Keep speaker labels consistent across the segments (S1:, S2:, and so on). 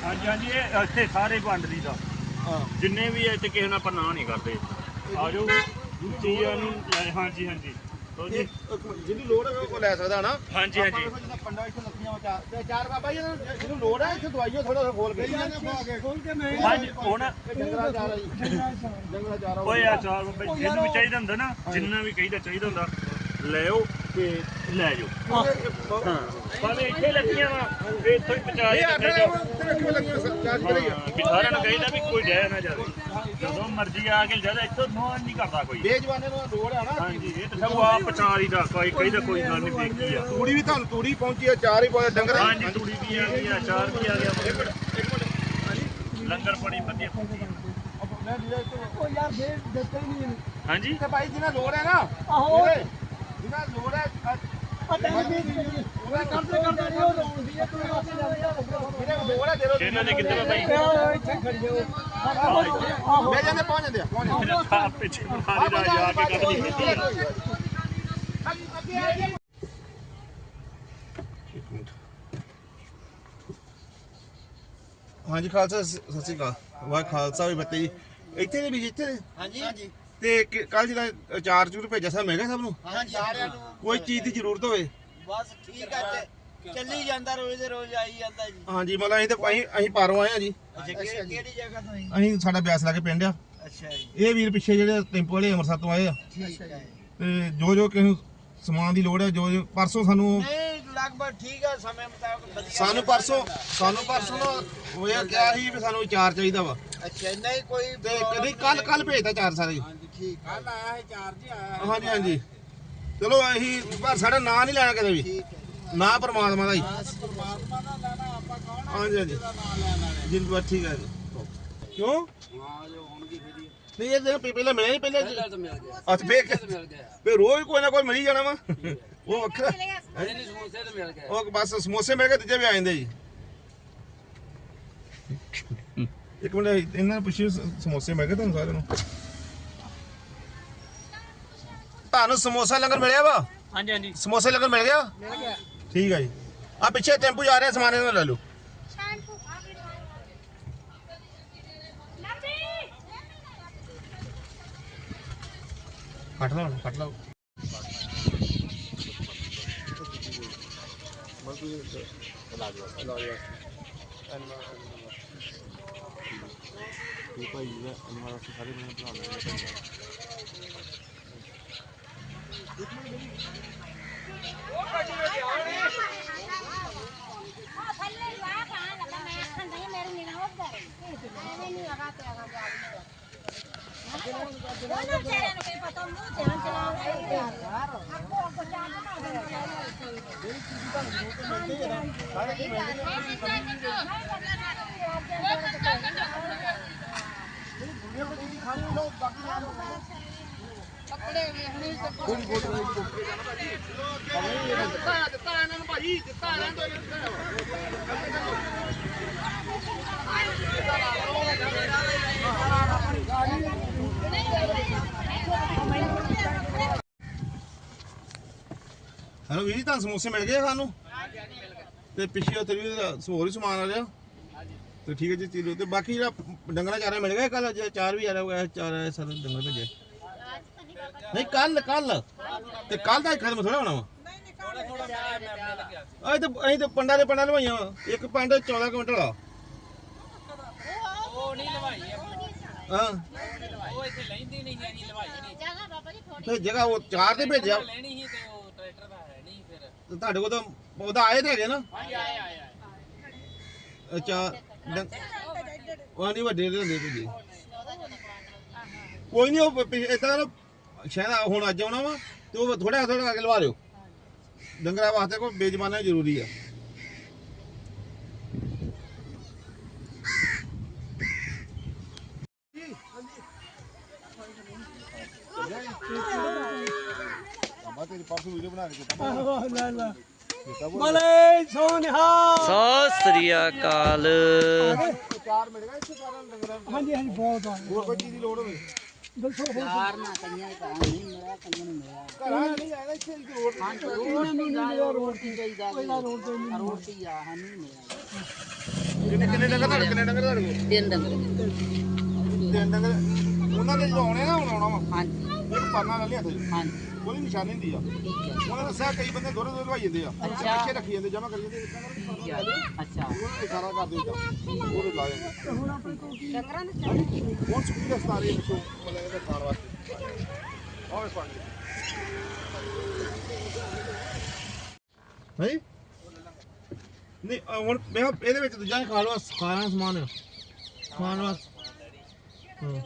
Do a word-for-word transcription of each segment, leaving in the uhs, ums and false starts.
S1: हाँ जी हाँ जी ये इतने सारे वंड दी दा जिन्ने भी है किसी ने आप ना नहीं करते आ जाओ चीज़ां हाँ जी हाँ जी
S2: ਜਿਹਨੂੰ ਲੋੜ ਹੈ ਉਹ ਲੈ ਸਕਦਾ ਨਾ
S1: ਹਾਂਜੀ ਹਾਂਜੀ
S2: ਜਿੱਦਾਂ ਪੰਡਾ ਇੱਥੇ ਲੱਖੀਆਂ ਵਾ ਤੇ ਚਾਰ ਬਾਬਾ ਜੀ ਜਿਹਨੂੰ ਲੋੜ ਹੈ ਇੱਥੇ ਦਵਾਈਓ ਥੋੜਾ ਖੋਲ ਕੇ
S3: ਖੋਲ ਕੇ ਮੈਂ
S1: ਹਾਂਜੀ ਹੁਣ
S2: ਡੰਗਰਾ ਚਾਰ ਹੈ ਜੀ ਡੰਗਰਾ ਚਾਰ
S1: ਓਏ ਆ ਚਾਰ ਬਾਬਾ ਜਿਹਨੂੰ ਵੀ ਚਾਹੀਦਾ ਹੁੰਦਾ ਨਾ ਜਿੰਨਾ ਵੀ ਕਹੀਦਾ ਚਾਹੀਦਾ ਹੁੰਦਾ ਲੈ ਆਓ ਤੇ ਲੈ ਜਾਓ ਹਾਂ ਭਾਵੇਂ ਇੱਥੇ ਲੱਗੀਆਂ ਵਾ ਤੇ ਇੱਥੋਂ ਹੀ ਪਹੁੰਚਾ
S2: ਇਹ ਅੱਠ ਤੇ ਰੱਖੀਆਂ ਲੱਗੀਆਂ ਚਾਰ ਕਰੀ ਆ
S1: ਵੀ ਸਾਰਿਆਂ ਨੂੰ ਕਹੀਦਾ ਵੀ ਕੋਈ ਜਾਇਆ ਨਾ ਜਾਵੇ ਜਦੋਂ ਮਰਜ਼ੀ ਆ ਕੇ ਜਿਆਦਾ ਇੱਥੋਂ ਨੋਨ ਨਹੀਂ ਕਰਦਾ ਕੋਈ
S2: ਬੇਜਵਾਨੇ ਨੂੰ ਲੋੜ ਹੈ ਨਾ
S1: ਹਾਂਜੀ ਇਹ ਤਾਂ ਸਭ ਆ ਪਚਾਰੀ ਦਾ ਕੋਈ ਕਹੀਦਾ ਕੋਈ ਗੱਲ ਨਹੀਂ ਦੇਖੀ ਆ
S2: ਤੂੜੀ ਵੀ ਤੁਹਾਨੂੰ ਤੂੜੀ ਪਹੁੰਚੀ ਆ ਚਾਰ ਹੀ ਪਹੁੰਚੇ ਡੰਗਰ
S1: ਹਾਂਜੀ ਤੂੜੀ ਵੀ ਆ ਗਈ ਆ ਚਾਰ ਵੀ ਆ ਗਿਆ
S2: ਇੱਕ ਮਿੰਟ ਇੱਕ ਮਿੰਟ ਹਾਂਜੀ
S1: ਲੰਗਰ ਪਾਣੀ ਵਧੀਆ
S3: ਉਹ ਯਾਰ ਦੇ ਦਿੱਤੇ ਹੀ ਨਹੀਂ
S1: ਹਾਂਜੀ
S2: ਤੇ ਭਾਈ ਜਿਹਨਾਂ ਲੋੜ ਹੈ ਨਾ
S3: ਆਹੋ
S2: ਜਿਹਨਾਂ ਲੋੜ ਹੈ
S3: ਪਤਾ ਨਹੀਂ ਉਹ ਕਰਦੇ ਕਰਦੇ ਨਹੀਂ ਉਹ ਲਾਉਂਦੀ ਹੈ ਤੂੰ ਵਾਸਤੇ
S2: ਜਿਹਨਾਂ ਲੋੜ ਹੈ ਦੇ ਦਿਓ
S1: ਇਹਨਾਂ ਦੇ ਕਿੱਥੇ ਵਾ ਭਾਈ
S3: ਇੱਥੇ ਖੜ ਜਾਓ ਆਹੋ
S2: ਲੈ ਜਾਂਦੇ ਪਹੁੰਚ ਜਾਂਦੇ ਆ ਪਹੁੰਚ ਜਾਂਦੇ
S1: ਆ ਪਿੱਛੇ ਬੁਖਾਰੀ ਦਾ ਜਾ ਕੇ ਕੱਢ ਲਈ
S2: ਹਾਂਜੀ ਖਾਲਸਾ ਸਤਿ ਸ਼੍ਰੀ ਅਕਾਲ ਵਾਹ ਖਾਲਸਾ ਵੀ ਬੱਤੇ ਜੀ ਇੱਥੇ ਦੇ ਵੀ ਇੱਥੇ
S4: ਹਾਂਜੀ ਹਾਂਜੀ
S2: ਤੇ ਕੱਲ ਜਿਹੜਾ ਚਾਰ ਚੂਰ ਭੇਜਿਆ ਸਭ ਮੈਂ ਕਿਹਾ ਸਭ ਨੂੰ
S4: ਹਾਂਜੀ ਸਾਰਿਆਂ ਨੂੰ
S2: ਕੋਈ ਚੀਜ਼ ਦੀ ਜ਼ਰੂਰਤ ਹੋਵੇ
S4: ਬਸ ਠੀਕ ਹੈ ਤੇ ਚੱਲੀ ਜਾਂਦਾ ਰੋਜ਼ ਦੇ ਰੋਜ਼ ਆਈ ਜਾਂਦਾ ਜੀ
S2: ਹਾਂਜੀ ਮਤਲਬ ਅਸੀਂ ਤਾਂ ਅਸੀਂ ਅਸੀਂ ਪਾਰੋਂ ਆਏ ਆ ਜੀ
S4: ਅੱਛਾ ਕਿਹੜੀ ਕਿਹੜੀ ਜਗ੍ਹਾ ਤੋਂ ਜੀ
S2: ਅਸੀਂ ਸਾਡਾ ਬਿਆਸ ਲਾ ਕੇ ਪਿੰਡ ਆ
S4: ਅੱਛਾ ਜੀ
S2: ਇਹ ਵੀਰ ਪਿੱਛੇ ਜਿਹੜੇ ਟੈਂਪੋ ਵਾਲੇ ਅੰਮ੍ਰਿਤਸਰ ਤੋਂ ਆਏ ਆ
S4: ਠੀਕ ਹੈ
S2: ਤੇ ਜੋ ਜੋ ਕਿਸੇ ਨੂੰ ਸਮਾਨ ਦੀ ਲੋੜ ਹੈ ਜੋ ਜੋ ਪਰਸੋਂ ਸਾਨੂੰ
S4: ਨਹੀਂ ਲਗਭਗ ਠੀਕ ਹੈ ਸਮੇਂ ਮੁਤਾਬਕ ਵਧੀਆ
S2: ਸਾਨੂੰ ਪਰਸੋਂ ਸਾਨੂੰ ਪਰਸੋਂ ਨਾ ਹੋਇਆ ਕਿਹਾ ਸੀ ਵੀ ਸਾਨੂੰ ਚਾਰ ਚਾਹੀਦਾ ਵਾ
S4: ਅੱਛਾ ਨਹੀਂ ਕੋਈ
S2: ਤੇ ਕਦੀ ਕੱਲ ਕੱਲ ਭੇਜਦਾ ਚਾਰ ਸਾਰੇ
S4: ਠੀਕ ਕੱਲ ਆਇਆ ਹੈ ਚਾਰ ਜੀ ਆਇਆ
S2: ਹਾਂਜੀ ਹਾਂਜੀ ਚਲੋ ਅਸੀਂ ਪਰ ਸਾਡਾ ਨਾਂ ਨਹੀਂ ਲੈਣਾ ਕਦੇ ਵੀ
S4: ਠੀਕ ਹੈ
S2: ਨਾਂ ਪਰਮਾਤਮਾ ਦਾ ਹੀ
S4: ਪਰਮਾਤਮਾ ਦਾ ਲੈਣਾ ਆਪਾਂ ਕੌਣ
S2: ਹਾਂਜੀ ਹਾਂਜੀ
S4: ਦਾ ਨਾਮ ਲੈਣਾ ਹੈ
S2: ਜੀ ਬਸ ਠੀਕ ਹੈ ਜੀ ਕਿਉਂ
S4: ਹਾਂ ਜੋ ਹੋਣਗੀ ਫੇਰੀ
S2: ਨਹੀਂ ਇਹ ਦਿਨ ਪਹਿਲਾਂ ਮਿਲਿਆ ਨਹੀਂ ਪਹਿਲਾਂ
S4: ਤਾਂ ਮਿਲ ਗਿਆ
S2: ਅੱਛਾ ਫੇਰ
S4: ਮਿਲ ਗਿਆ
S2: ਫੇਰ ਰੋਜ਼ ਕੋਈ ਨਾ ਕੋਈ ਮਿਲ ਹੀ ਜਾਣਾ ਵਾ ਉਹ ਵੱਖਰਾ
S4: ਨਹੀਂ ਸਮੋਸੇ ਤਾਂ ਮਿਲ ਗਏ
S2: ਉਹ ਬਸ ਸਮੋਸੇ ਮਿਲ ਕੇ ਦੂਜੇ ਵੀ ਆ ਜਾਂਦੇ ਜੀ ਇੱਕ ਮਿੰਟ ਇਹਨਾਂ ਨੂੰ ਪੁੱਛਿਓ ਸਮੋਸੇ ਮਿਲ ਗਏ ਤੁਹਾਨੂੰ ਸਾਰਿਆਂ ਨੂੰ ਤੁਹਾਨੂੰ ਸਮੋਸਾ ਲੰਗਰ ਮਿਲਿਆ ਵਾ
S1: ਹਾਂਜੀ ਹਾਂਜੀ
S2: ਸਮੋਸੇ ਲੰਗਰ ਮਿਲ ਗਿਆ
S4: ਮਿਲ ਗਿਆ
S2: ਠੀਕ ਹੈ ਜੀ ਆ ਪਿੱਛੇ ਟੈਂਪੂ ਜਾ ਰਿਹਾ ਸਮਾਨ ਇਹਨਾਂ ਨੂੰ ਲੈ ਲਓ ਕੱਟ ਲਓ ਕੱਟ ਲਓ ਭਾਈ ਜੀ ਅਨਵਾਰ ਸਾਰੇ ਮੈਨੂੰ ਬਣਾ ਲੈਣੇ
S4: ਕੱਪੜੇ ਵੇਖਣੇ
S2: ਕੋਈ ਫੋਟੋ ਨਹੀਂ ਦਿੱਤਾ ਦਿੱਤਾ ਇਹਨਾਂ ਨੂੰ ਭਾਜੀ ਦਿੱਤਾ ਇਹਨਾਂ ਤੋਂ ਹੈਲੋ ਵੀਰ ਜੀ ਤੁਹਾਨੂੰ ਸਮੋਸੇ ਮਿਲ ਗਏ ਸਾਨੂੰ ਤੇ ਪਿੱਛੇ ਉੱਥੇ ਵੀ ਹੋਰ ਹੀ ਸਮਾਨ ਆ ਰਿਹਾ ਤੇ ਠੀਕ ਹੈ ਜੀ ਚੀਲੋ ਤੇ ਬਾਕੀ ਜਿਹੜਾ ਡੰਗਰਾ ਚਾਰਾ ਮਿਲ ਗਿਆ ਕੱਲ ਚਾਰ ਵੀ ਆ ਰਿਹਾ ਚਾਰ ਆਇਆ ਸਰ ਡੰਗਰ ਭੇਜੇ ਨਹੀਂ ਕੱਲ ਕੱਲ ਤੇ ਕੱਲ ਦਾ ਖਤਮ ਥੋੜਾ ਹੋਣਾ ਵਾ ਅਸੀਂ ਤਾਂ ਅਸੀਂ ਤਾਂ ਪੰਡਾਂ ਦੇ ਪੰਡਾਂ ਲਵਾਈਆਂ ਵਾ ਇੱਕ ਪੰਡ ਚੌਦਾਂ ਕੁਇੰਟਲ ਆ
S5: ਉਹ ਨਹੀਂ ਲਵਾਈ
S2: ਹਾਂ
S5: ਉਹ ਇੱਥੇ ਲੈਂਦੀ ਨਹੀਂ ਹੈਗੀ ਲਵਾਈ ਨਹੀਂ
S6: ਜਗ੍ਹਾ ਬਾਬਾ ਜੀ ਥੋੜੀ
S2: ਤੇ ਜਗ੍ਹਾ ਉਹ ਚਾਰ ਤੇ ਭੇਜਿਆ
S5: ਲੈਣੀ ਸੀ ਤੇ ਉਹ ਟਰੈਕਟਰ ਦਾ ਹੈ ਨਹੀਂ ਫਿਰ
S2: ਤੇ ਤੁਹਾਡੇ ਕੋਲ ਤਾਂ ਉਹਦਾ ਆਏ ਤੇ ਹੈਗੇ ਨਾ
S5: ਹਾਂਜੀ ਆਏ ਆਏ ਆਏ
S2: ਅੱਛਾ ਉਹ ਨਹੀਂ ਵੱਡੇ ਦੇ ਹੁੰਦੇ ਭੇਜੇ ਕੋਈ ਨਹੀਂ ਉਹ ਇਦਾਂ ਸ਼ਾਇਦ ਹੁਣ ਅੱਜ ਆਉਣਾ ਵਾ ਤੇ ਉਹ ਥੋੜਾ ਥੋੜਾ ਅੱਗੇ ਲਵਾ ਲਿਓ ਡੰਗਰਾਂ ਵਾਸਤੇ ਕੋਈ ਬੇਜਮਾਨਾ ਜ਼ਰੂਰੀ ਆ ਬਾਬਾ ਤੇਰੀ ਪਰਸੋਂ ਵੀਡੀਓ ਬਣਾ ਕੇ ਦਿੱਤਾ
S3: ਆਹੋ ਲੈ ਲੈ ਮਲੇ ਸੋਨਿਹਾ
S5: ਸਤਿ ਸ੍ਰੀ ਅਕਾਲ
S2: ਚਾਰ ਮਿਲ ਗਏ ਇੱਥੇ ਸਾਰਿਆਂ ਨੂੰ ਡੰਗਰਾਂ ਨੂੰ
S3: ਹਾਂਜੀ ਹਾਂਜੀ ਬਹੁਤ ਆ
S2: ਹੋਰ ਕੋਈ ਚੀਜ਼ ਦੀ ਲੋੜ ਹੋਵੇ
S3: ਦੱਸੋ ਹੋਰ
S4: ਚਾਰ ਨਾ ਕਈਆਂ ਦੇ ਘਰਾਂ ਨਹੀਂ ਮਿਲਿਆ ਕਈਆਂ ਨੂੰ ਮਿਲਿਆ
S2: ਘਰਾਂ ਨਹੀਂ ਆਇਆ ਇੱਥੇ ਦੀ ਲੋੜ
S4: ਉਹਨਾਂ ਨੂੰ ਨਹੀਂ ਮਿਲਿਆ ਰੋਟੀ ਚਾਹੀਦਾ
S3: ਪਹਿਲਾਂ ਰੋਡ ਤੇ ਨਹੀਂ
S4: ਰੋਟੀ ਆ ਸਾਨੂੰ ਨਹੀਂ ਮਿਲਿਆ
S2: ਕਿੰਨੇ ਕਿੰਨੇ ਡੰਗਰ ਤੁਹਾਡੇ ਕਿੰਨੇ ਡੰਗਰ ਤੁਹਾਡੇ ਕੋਲ?
S6: ਤਿੰਨ ਡੰਗਰ
S2: ਤਿੰਨ ਡੰਗਰ ਉਹਨਾਂ ਦੇ ਜਦੋਂ ਆਉਣੇ ਨਾ ਹੁਣ ਆਉਣਾ ਵਾ
S6: ਹਾਂਜੀ
S2: ਇੱਕ ਪਾਨਾ ਲੈ ਲਿਆ ਤੇ
S6: ਹਾਂਜੀ
S2: ਉਹਦੀ ਨਿਸ਼ਾਨੀ ਹੁੰਦੀ ਆ
S6: ਠੀਕ ਹੈ
S2: ਉਹਨਾਂ ਦੱਸਿਆ ਕਈ ਬੰਦੇ ਦੋਰੇ ਦੋਰੇ ਲਵਾਈ ਜਾਂਦੇ ਆ
S6: ਅੱਛਾ।
S2: ਪਿੱਛੇ ਰੱਖੀ ਜਾਂਦੇ ਜਮਾ ਕਰੀ ਜਾਂਦੇ
S6: ਠੀਕ ਹੈ ਅੱਛਾ
S2: ਉਹ ਇਸ਼ਾਰਾ ਕਰ ਦਿੰਦਾ ਉਹਦੇ ਲਾ ਜਾਂਦੇ
S6: ਡੰਗਰਾਂ ਦੇ
S2: ਹੁਣ ਸੁੱਕੀ ਰਸਤਾ ਰਹੀ ਪਿੱਛੋਂ ਮਤਲਬ ਇਹਦੇ ਖਾਣ ਵਾਸਤੇ ਆਹ ਪਾਣੀ ਨਹੀਂ ਨਹੀਂ ਅਹ ਹੁਣ ਮੈਂ ਕਿਹਾ ਇਹਦੇ ਵਿੱਚ ਦੂਜਾ ਹੀ ਖਾਣ ਵਾਸਤੇ ਖਾਣਾ ਸਮਾਨ ਆ ਖਾਣ ਵਾਸਤੇ ਹਾਂ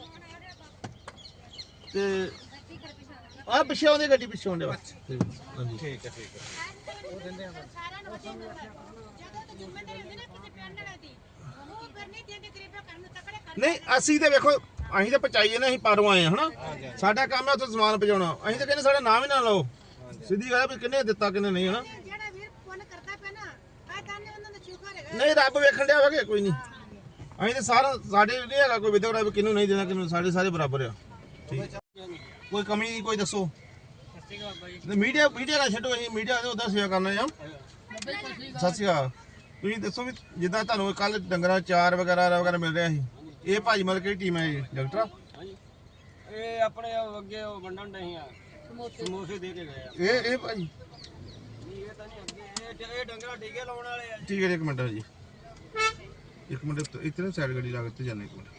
S2: ਤੇ ਆ ਪਿੱਛੇ ਆਉਂਦੀ ਗੱਡੀ ਪਿੱਛੇ ਆਉਂਦੇ ਹਾਂਜੀ ਠੀਕ ਹੈ ਠੀਕ ਹੈ ਉਹ ਦਿੰਦੇ ਆ ਸਾਰਿਆਂ ਨੂੰ ਜਦੋਂ ਤੇ ਜ਼ਿੰਮੇਵਾਰੀ ਹੁੰਦੀ ਨਾ ਕਿਸੇ ਪਿੰਡ ਵਾਲੇ ਦੀ ਉਹ ਫਿਰ ਨਹੀਂ ਦਿੰਦੇ ਗਰੀਬਾਂ ਕਰਨ ਤਕੜੇ ਕਰ ਨਹੀਂ ਅਸੀਂ ਤੇ ਵੇਖੋ ਅਸੀਂ ਤਾਂ ਪਚਾਈਏ ਨਾ ਅਸੀਂ ਪਰੋਂ ਆਏ ਹਨਾ ਸਾਡਾ ਕੰਮ ਹੈ ਉੱਥੇ ਸਮਾਨ ਪਹੁੰਚਾਉਣਾ ਅਸੀਂ ਤਾਂ ਕਹਿੰਦੇ ਸਾਡਾ ਨਾਮ ਹੀ ਨਾ ਲਓ ਸਿੱਧੀ ਗੱਲ ਵੀ ਕਿੰਨੇ ਦਿੱਤਾ ਕਿੰਨੇ ਨਹੀਂ ਹਨਾ
S3: ਜਿਹੜਾ ਵੀਰ ਪੁੰਨ ਕਰਦਾ ਪਿਆ ਨਾ ਆ ਤਾਂ ਨੇ ਉਹਨਾਂ ਦਾ ਸ਼ੁਕਰ ਹੈਗਾ
S2: ਨਹੀਂ ਰੱਬ ਵੇਖਣ ਡਿਆ ਵਾ ਕਿ ਕੋਈ ਨਹੀਂ ਅਸੀਂ ਤਾਂ ਸਾਰਾ ਸਾਡੇ ਨਹੀਂ ਹੈਗਾ ਕੋਈ ਵਿਦਵਰਾ ਵੀ ਕਿਹਨੂੰ ਨਹੀਂ ਦੇਣਾ ਕਿਹਨੂੰ ਸਾਡੇ ਸਾਰੇ ਬਰਾਬਰ ਆ ਠੀਕ ਕੋਈ ਕਮੀ ਨਹੀਂ ਕੋਈ ਦੱਸੋ ਮੀਡੀਆ ਮੀਡੀਆ ਨਾ ਛੱਡੋ ਅਸੀਂ ਮੀਡੀਆ ਦੇ ਉਹਦਾ ਸੇਵਾ ਕਰਨਾ ਆ ਸਤਿ ਸ਼੍ਰੀ ਅਕਾਲ ਤੁਸੀਂ ਦੱਸੋ ਵੀ ਜਿੱਦਾਂ ਤੁਹਾਨੂੰ ਕੱਲ ਡੰਗਰਾਂ ਚਾਰ ਵਗੈਰਾ ਵਗੈਰਾ ਮਿਲ ਰਿਹਾ ਸੀ ਇਹ ਭਾਜੀ ਮਤਲਬ ਕਿਹੜੀ ਟੀਮ ਹੈ ਇਹ ਡਾਕਟਰ
S4: ਇਹ ਆਪਣੇ ਅੱਗੇ ਵੰਡਣ ਨਹੀਂ ਆ ਸਮੋਸੇ ਦੇ ਕੇ ਗਏ ਆ
S2: ਇਹ ਇਹ ਭਾਜੀ
S4: ਇਹ ਤਾਂ ਨਹੀਂ ਅੱਗੇ ਇਹ ਇਹ ਡੰਗਰਾ ਟੀਕੇ ਲਾਉਣ ਵਾਲੇ ਆ
S2: ਠੀਕ ਹੈ ਇੱਕ ਮਿੰਟ ਜੀ ਇੱਕ ਮਿੰਟ ਇਤਨੇ ਸਾਈਡ ਗੱਡੀ ਲਾ ਕੇ ਜਾਣੇ ਇੱਕ ਮਿੰਟ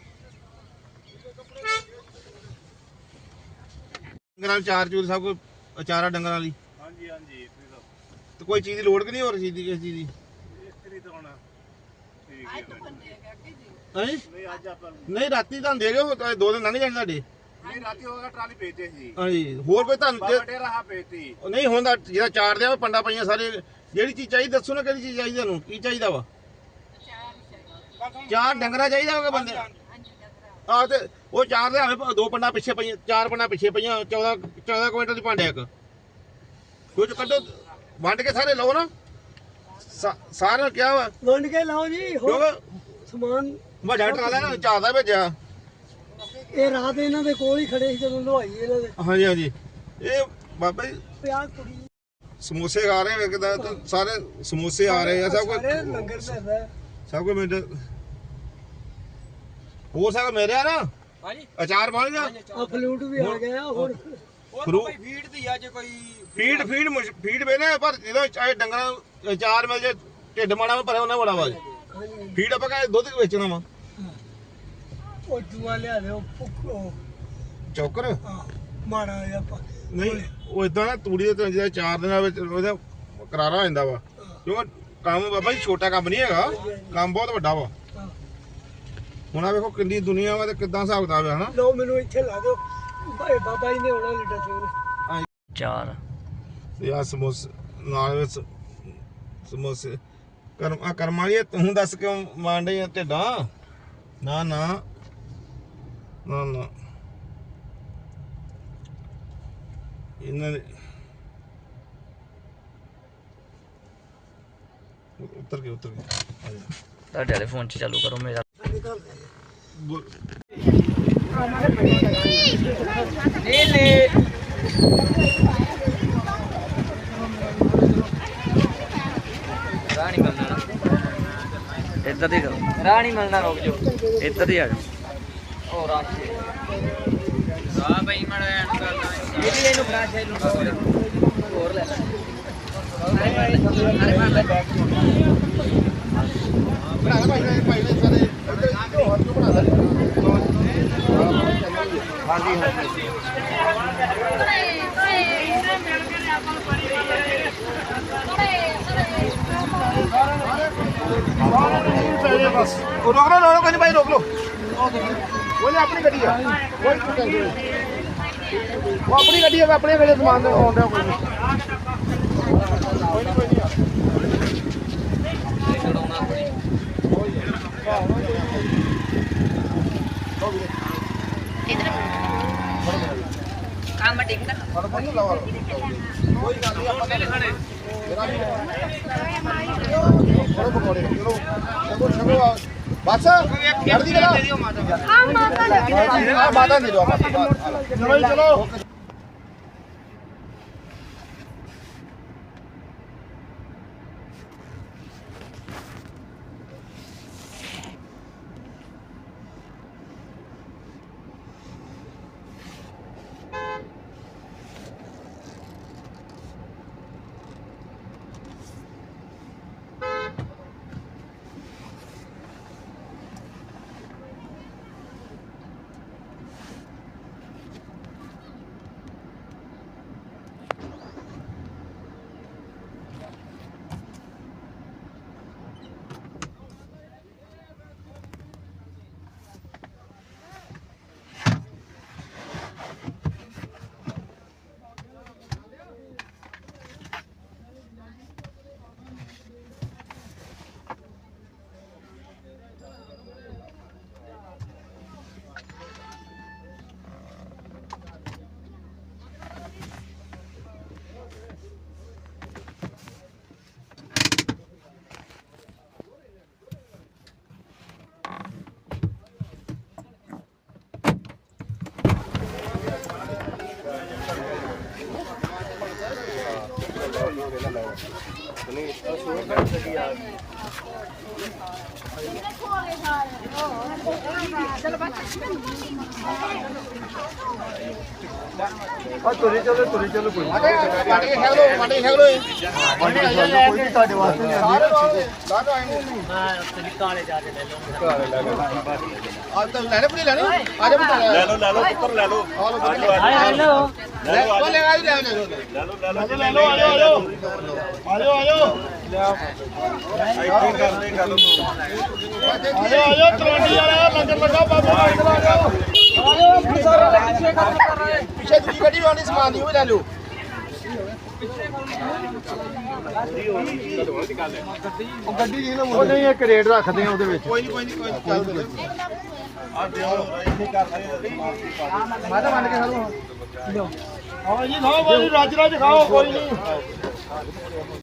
S2: ਡੰਗਰਾਂ ਨੂੰ ਚਾਰ ਚੂਰ ਸਭ ਕੋਈ ਚਾਰਾ ਡੰਗਰਾਂ ਵਾਲੀ
S1: ਹਾਂਜੀ ਹਾਂਜੀ
S2: ਤੇ ਕੋਈ ਚੀਜ਼ ਦੀ ਲੋੜ ਕਿ ਨਹੀਂ ਹੋਰ ਚੀਜ਼ ਦੀ ਕਿਸੇ ਚੀਜ਼ ਦੀ
S1: ਇਸਤਰੀ ਤਾਂ ਹੋਣਾ ਠੀਕ ਹੈ
S2: ਨਹੀਂ
S1: ਨਹੀਂ ਅੱਜ ਆਪਾਂ
S2: ਨਹੀਂ ਰਾਤੀ ਤੁਹਾਨੂੰ ਦੇ ਗਏ ਉਹ ਤਾਂ ਦੋ ਦਿਨ ਲੰਘ ਜਾਣੇ ਤੁਹਾਡੇ
S1: ਨਹੀਂ ਰਾਤੀ ਹੋਗਾ ਟਰਾਲੀ ਭੇਜਦੇ ਸੀ
S2: ਹਾਂਜੀ ਹੋਰ ਕੋਈ ਤੁਹਾਨੂੰ
S1: ਬਾਬਾ ਡੇਰਾ ਹਾ ਭੇਜਤੀ
S2: ਉਹ ਨਹੀਂ ਹੁੰਦਾ ਜਿਹੜਾ ਚਾਰ ਦਿਆਂ ਪੰਡਾ ਪਈਆਂ ਸਾਰੇ ਜਿਹੜੀ ਚੀਜ਼ ਚਾਹੀਦੀ ਦੱਸੋ ਨਾ ਕਿਹੜੀ ਚੀਜ਼ ਚਾਹੀਦੀ ਤੁਹਾਨੂੰ ਕੀ ਚਾਹੀਦਾ ਵਾ ਚਾਰ ਡੰਗਰਾ ਚਾਹੀਦਾ ਹੋਗਾ ਬੰਦੇ ਆ ਤੇ ਉਹ ਚਾਰ ਦੇ ਆਵੇ ਦੋ ਪੰਡਾ ਪਿੱਛੇ ਪਈਆਂ ਚਾਰ ਪੰਡਾ ਪਿੱਛੇ ਪਈਆਂ ਚੌਦਾਂ ਚੌਦਾਂ ਕੁਇੰਟਲ ਦੀ ਭਾਂਡੇ ਇੱਕ ਕੁਝ ਕੱਢੋ ਵੰਡ ਕੇ ਸਾਰੇ ਲਓ ਨਾ ਸਾ- ਸਾਰਿਆਂ ਨੂੰ ਕਿਹਾ ਵਾ
S3: ਵੰਡ ਕੇ ਲਾਓ ਜੀ ਹੋਰ
S2: ਕਿਉਂਕਿ
S3: ਸਮਾਨ
S2: ਵੱਡਾ ਟਰਾਲਾ ਨਾ ਚਾਰਦਾ ਭੇਜਿਆ
S3: ਇਹ ਰਾਤ ਇਹਨਾਂ ਦੇ ਕੋਲ ਹੀ ਖੜੇ ਸੀ ਜਦੋਂ ਲਵਾਈ ਇਹਨਾਂ ਦੇ
S2: ਹਾਂਜੀ ਹਾਂਜੀ ਇਹ ਬਾਬਾ ਜੀ
S3: ਪਿਆ ਕੁੜੀ
S2: ਸਮੋਸੇ ਖਾ ਰਹੇ ਵੇਖਦਾ ਤੇ ਸਾਰੇ ਸਮੋਸੇ ਆ ਰਹੇ ਆ ਸਭ
S3: ਸਾਰੇ
S2: ਕੁਝ
S3: ਲੰਗਰ ਚੱਲਦਾ
S2: ਸਭ ਕੁਝ ਮਿੰਟ ਹੋ ਸਕਦਾ ਮੇਰੇ ਆ ਨਾ
S4: ਹਾਂਜੀ
S2: ਅਚਾਰ ਬਣ ਗਿਆ
S3: ਆ ਫਲੂਟ ਵੀ ਆ ਗਿਆ ਹੋਰ
S4: ਉਹ
S2: ਫਰੂ-
S4: ਤਾਂ ਕੋਈ ਫੀਡ ਦੀ ਆ ਜੇ ਕੋਈ
S2: ਫੀਡ ਫੀਡ ਮੁਸ਼- ਫੀਡ ਵੇਨੇ ਪਰ ਜਦੋਂ ਚਾਹੇ ਡੰਗਰਾਂ ਨੂੰ ਅਚਾਰ ਮਿਲ ਜੇ ਢਿੱਡ ਮਾੜਾ ਭਰਿਆ ਉਹਨਾਂ ਬੜਾ ਵਾ ਫੀਡ ਆਪਾਂ ਕਹੇ ਦੁੱਧ ਵੇਚਣਾ ਵਾ
S3: ਉਹ ਜੂਆ ਲਿਆ ਦੇ ਉਹ ਭੁੱਖੋ
S2: ਚੌਕਰ
S3: ਆ ਮਾੜਾ ਜਿਹਾ ਪਾ
S2: ਨਹੀਂ ਉਹ ਇਦਾਂ ਨਾ ਤੂੜੀ ਦੇ ਤੇ ਜਿਹੜਾ ਚਾਰ ਦਿਨਾਂ ਵਿੱਚ ਉਹਦਾ ਕਰਾਰਾ ਹੋ ਜਾਂਦਾ ਵਾ ਕਿਉਂਕਿ ਕੰਮ ਬਾਬਾ ਜੀ ਛੋਟਾ ਕੰਮ ਨਹੀਂ ਹੈਗਾ ਕੰਮ ਬਹੁਤ ਵੱਡਾ ਵਾ
S3: ਹਾਂ।
S2: ਹੁਣ ਆ ਵੇਖੋ ਕਿੰਨੀ ਦੁਨੀਆ ਵਾ ਤੇ ਕਿੱਦਾਂ ਹਿਸਾਬ ਕਿਤਾਬ ਹੈ ਹਨਾ
S3: ਲਓ ਮੈਨੂੰ ਇੱਥੇ ਲਾ ਦਿਓ ਭਾਈ ਬਾਬਾ ਜੀ ਨੇ ਆਉਣਾ ਲੀਡਾ ਸਿੰਘ
S5: ਚਾਰ
S2: ਤੇ ਆ ਸਮੋਸੇ ਨਾਲ ਵਿੱਚ ਸਮੋਸੇ ਕਰਮ ਆ ਕਰਮਾਂ ਵਾਲੀ ਤੂੰ ਦੱਸ ਕਿਉਂ ਮਾਂਡੇ ਆ ਢਿੱਡਾਂ ਨਾ ਨਾ ਨਾ ਨਾ ਇਹਨਾਂ ਦੇ ਉੱਤਰ ਕੇ ਉੱਤਰ ਕੇ ਆ ਜਾ
S5: ਤੁਹਾਡੇ ਵਾਲੇ ਫੋਨ 'ਚ ਚਾਲੂ ਕਰੋ ਮੇਰਾ
S2: ਬੋਲ
S5: ਰਾਹ ਨਹੀਂ ਮਿਲਣਾ ਇੱਧਰ ਦੀ ਕਰੋ ਰਾਹ ਨਹੀਂ ਮਿਲਣਾ ਰੁਕ ਜਾਓ ਇੱਧਰ ਦੀ ਆ ਜਾਓ ਉਹ ਰਾਹ ਰਾਹ ਬਈ ਮੜਾ ਐਂਡ ਕਰਦਾ ਇਹ ਵੀ ਇਹਨੂੰ ਫਲਾਸ਼ ਹੈ ਇਹਨੂੰ ਹੋਰ ਲੈ ਲੈ
S2: ਬਣਾ ਭਾਈ ਨੇ ਭਾਈ ਨੇ ਸਾਰੇ ਹੋਰ ਕਿਉਂ ਬਣਾ ਲੈ ਹਾਂਜੀ ਹਾਂਜੀ ਬਸ ਉਹ ਰੋਕ ਲੋ ਰੋਕ ਨਹੀਂ ਭਾਈ ਰੋਕ ਲੋ ਉਹਨੇ ਆਪਣੀ ਗੱਡੀ ਆ ਕੋਈ ਟੈਨਸ਼ਨ ਨਹੀਂ ਉਹ ਆਪਣੀ ਗੱਡੀ ਆ ਆਪਣੇ ਵੇਲੇ ਸਮਾਨ ਆਉਂਦਾ ਕੋਈ ਨਹੀਂ ਕੋਈ ਨਹੀਂ ਕੋਈ ਨਹੀਂ
S6: ਕੰਮ ਟਿਕ
S2: ਫੜ ਫੜ ਲਾ ਵਾ ਕੋਈ ਗੱਲ ਨਹੀਂ ਆਪਾਂ ਪਹਿਲੇ ਖੜੇ ਮੇਰਾ ਵੀ ਫੜੋ ਪਕੌੜੇ ਚਲੋ ਚਲੋ ਚਲੋ ਬਸ ਜਲਦੀ ਕਰੋ ਹਾਂ ਮਾਤਾ ਦੇ ਹਾਂ ਮਾਤਾ ਦੇ ਦਿਓ ਚਲੋ ਜੀ ਚਲੋ
S3: ਆ ਤੁਰੇ ਚਲੋ ਤੁਰੇ ਚਲੋ ਕੋਈ
S2: ਵੱਟ ਕੇ ਖਾ ਲਓ ਵੱਟ ਕੇ ਖਾ ਲਓ
S3: ਕੋਈ ਨਹੀਂ ਤੁਹਾਡੇ ਵਾਸਤੇ ਨਹੀਂ ਆਂਦੀ
S2: ਲਾ ਦੋ ਆਏ
S6: ਹਾਂ ਕਾਲੇ ਜਾ ਕੇ ਲੈ ਲਓ
S2: ਆ ਤਾਂ ਲੈਣੇ ਪੜੀ ਲੈਣੇ ਆ ਜਾ ਬਤਾ
S1: ਲੈ ਲਓ ਲੈ ਲਓ ਪੁੱਤਰ ਲੈ ਲਓ
S2: ਆ ਲਓ
S6: ਲੈ ਲਓ
S2: ਲੈ ਲਓ ਲੈ ਆ ਲੈ ਲੈ
S1: ਲੈ ਲਓ ਲੈ ਲਓ
S3: ਲੈ ਲਓ ਆ ਜਾਓ ਆ ਜਾਓ ਆ ਜਾਓ
S1: ਇੱਥੇ ਕਰਦੇ ਗੱਲ ਨੂੰ
S3: ਆ ਜਾਓ ਆ ਜਾਓ ਤਲਵੰਡੀ ਵਾਲਾ ਲੰਗਰ ਲੱਗਾ ਬਾਬਾ ਆ ਜਾਓ
S2: ਪਿੱਛੇ ਦੂਜੀ ਗੱਡੀ ਵਾਣੀ ਸਮਾਨ ਦੀ ਉਹ ਵੀ ਲੈ ਲਓ
S3: ਉਹ ਗੱਡੀ ਜੀ ਨਾ ਉਹ ਨਹੀਂ ਇੱਕ ਰੇਟ ਰੱਖਦੇ ਆ ਉਹਦੇ ਵਿੱਚ
S2: ਕੋਈ ਨਹੀਂ ਕੋਈ ਨਹੀਂ ਕੋਈ ਚੱਲ ਦੇ
S1: ਆ ਦਿਓ ਇੱਥੇ ਕਰਦੇ
S2: ਮੈਂ ਤਾਂ ਮੰਨ ਕੇ ਖਾ ਲਓ
S3: ਹਾਂ ਜੀ ਖਾਓ ਬਾਜੀ ਰੱਜ ਰੱਜ ਖਾਓ ਕੋਈ ਨਹੀਂ